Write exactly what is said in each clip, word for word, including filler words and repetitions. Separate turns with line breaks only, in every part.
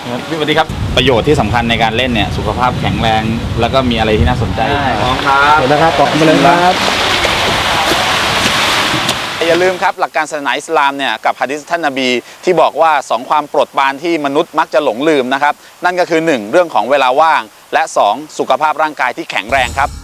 พี่สวัสดีครับประโยชน์ที่สำคัญในการเล่นเนี่ยสุขภาพแข็งแรงแล้วก็มีอะไรที่น่าสนใจพร้อมครับ
เดี๋ยวนะครับต่อมาเลยครับ
อย่าลืมครับหลักการศาสนาอิสลามเนี่ยกับหะดีษท่านนบีที่บอกว่าสองความโปรดปรานที่มนุษย์มักจะหลงลืมนะครับนั่นก็คือหนึ่งเรื่องของเวลาว่างและสองสุขภาพร่างกายที่แข็งแรงครับ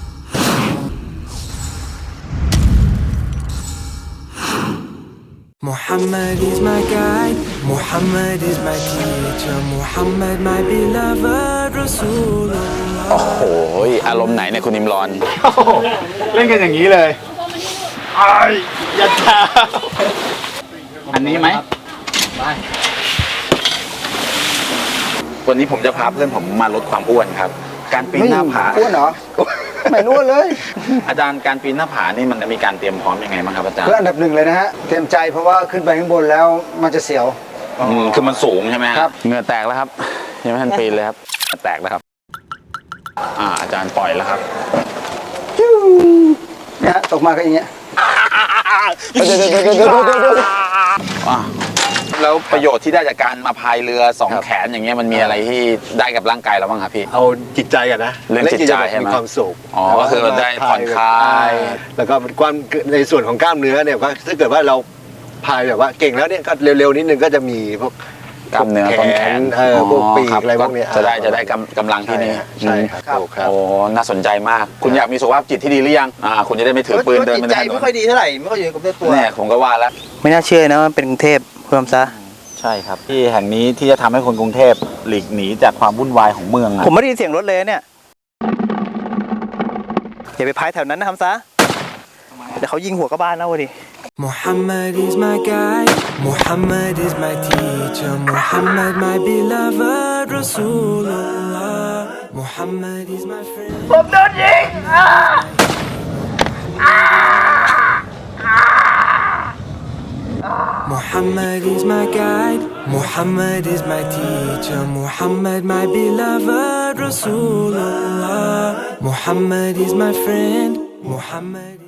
Muhammad is my guide, Muhammad is my teacher, Muhammad my beloved Rasulullah
โอ้โหอารมณ์ไหนเนี่ยคุณอิมรอน
เล่นกันอย่างนี้เลยไอ้ยันชา
อันนี้ไหมวันนี้ผมจะพาเพื่อนผมมาลดความอ้วนครับการปีนหน้าผา
อ้วนเหรอไม่อ้วนเลย
อาจารย์การปีนหน้าผานี่มันจะมีการเตรียมพร้อมยังไงบ้างครับอาจารย์
เพื่ออันดับหนึ่งเลยนะฮะเตรียมใจเพราะว่าขึ้นไปข้างบนแล้วมันจะเสียว
อืมคือมันสูงใช่ไหม
ครับ
เหงื่อแตกแล้วครับยังไม่ทันปีนเลยครับเหงื่อแตกแล้วครับอ่าอาจารย์ปล่อยแล้วครับ
เนี่ยฮะตกมาก็อย่างเงี้ย
อ่ะแล้วประโยชน์ที่ได้จากการมาพายเรือสองแขนอย่างเงี้ยมันมีอะไรที่ได้กับร่างกายเราบ้างครับพี่
เอาจิตใจกันนะ
เรื่องจิตใจใช่ไหม
มีความสุข
อ๋อก็คือได้ผ่อนคลาย
แล้วก็ความในส่วนของกล้ามเนื้อเนี่ยก็ถ้าเกิดว่าเราพายแบบว่าเก่งแล้วเนี่ยก็เร็วๆนิดนึงก็จะมีพวก
กล้ามเนื้อต้นแขน
เออพวกปีก
คบ
อะไรพวกเนี้ย
จะได้จะได้กำกำลังที่นี่
ใช่ครับถูกครับ
โอ้น่าสนใจมาก คุณอยากมีสุขภาพจิตที่ดีหรือยังอ่าคุณจะได้ไม่ถือปืนเดินไป
จิตใจไม่ค่อยดีเท่าไหร่ไม่ค่อยอยู่กับตัว
เนี่ยผมก็ว่าแล้ว
ไม่น่าเชื่อนะว่าเป็นกรุงเทพเพิ่มซะ
ใช่ครับที่แห่งนี้ที่จะทำให้คนกรุงเทพหลีกหนีจากความวุ่นวายของเมืองอะ
ผมไม่ได้ยินเสียงรถเลยเนี่ยอย่าไปพายแถวนั้นนะทำซะเดี๋ยวเขายิงหัวกระบ้านนะวะดิ
Muhammad is my guide, Muhammad is my teacher, Muhammad my beloved Rasulullah, Muhammad is my friend.
ผมโดนยิง
Muhammad is my guide, Muhammad is my teacher, Muhammad my beloved Rasulullah, Muhammad is my friend, Muhammad